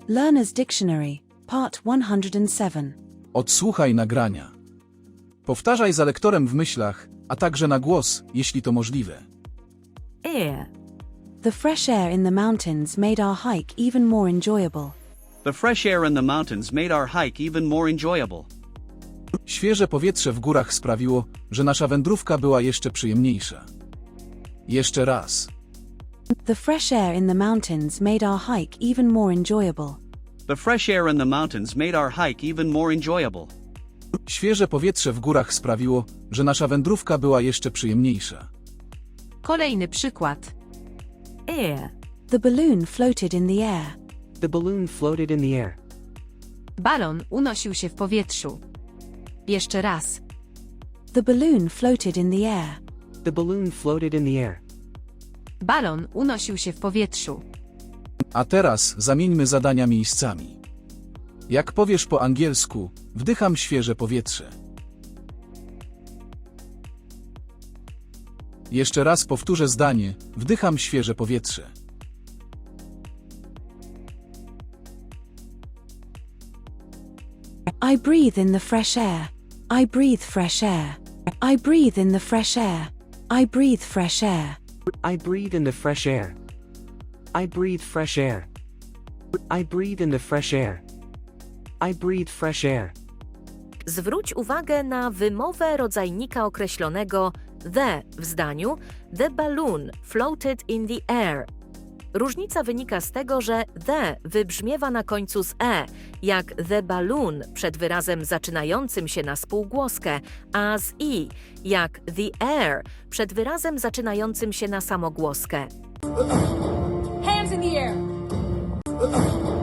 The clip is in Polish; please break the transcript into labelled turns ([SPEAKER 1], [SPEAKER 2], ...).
[SPEAKER 1] Learner's Dictionary, Part 107.
[SPEAKER 2] Odsłuchaj nagrania. Powtarzaj za lektorem w myślach, a także na głos, jeśli to możliwe.
[SPEAKER 3] Air.
[SPEAKER 1] The fresh air in the mountains made our hike even more enjoyable.
[SPEAKER 4] The fresh air in the mountains made our hike even more enjoyable.
[SPEAKER 2] Świeże powietrze w górach sprawiło, że nasza wędrówka była jeszcze przyjemniejsza. Jeszcze raz.
[SPEAKER 1] The fresh air in the mountains made our hike even more enjoyable.
[SPEAKER 4] The fresh air in the mountains made our hike even more enjoyable.
[SPEAKER 2] Świeże powietrze w górach sprawiło, że nasza wędrówka była jeszcze przyjemniejsza.
[SPEAKER 3] Kolejny przykład. Air.
[SPEAKER 1] The balloon floated in the air.
[SPEAKER 5] The balloon floated in the air.
[SPEAKER 3] Balon unosił się w powietrzu. Jeszcze raz.
[SPEAKER 1] The balloon floated in the air.
[SPEAKER 5] The balloon floated in the air.
[SPEAKER 3] Balon unosił się w powietrzu.
[SPEAKER 2] A teraz zamieńmy zadania miejscami. Jak powiesz po angielsku, wdycham świeże powietrze. Jeszcze raz powtórzę zdanie, wdycham świeże powietrze.
[SPEAKER 1] I breathe in the fresh air. I breathe fresh air. I breathe in the fresh air. I breathe fresh air.
[SPEAKER 5] I breathe in the fresh air. I breathe fresh air. I breathe in the fresh air. I breathe fresh air.
[SPEAKER 6] Zwróć uwagę na wymowę rodzajnika określonego the w zdaniu The balloon floated in the air. Różnica wynika z tego, że the wybrzmiewa na końcu z jak the balloon przed wyrazem zaczynającym się na spółgłoskę, a z jak the air przed wyrazem zaczynającym się na samogłoskę.
[SPEAKER 7] Hands in the air.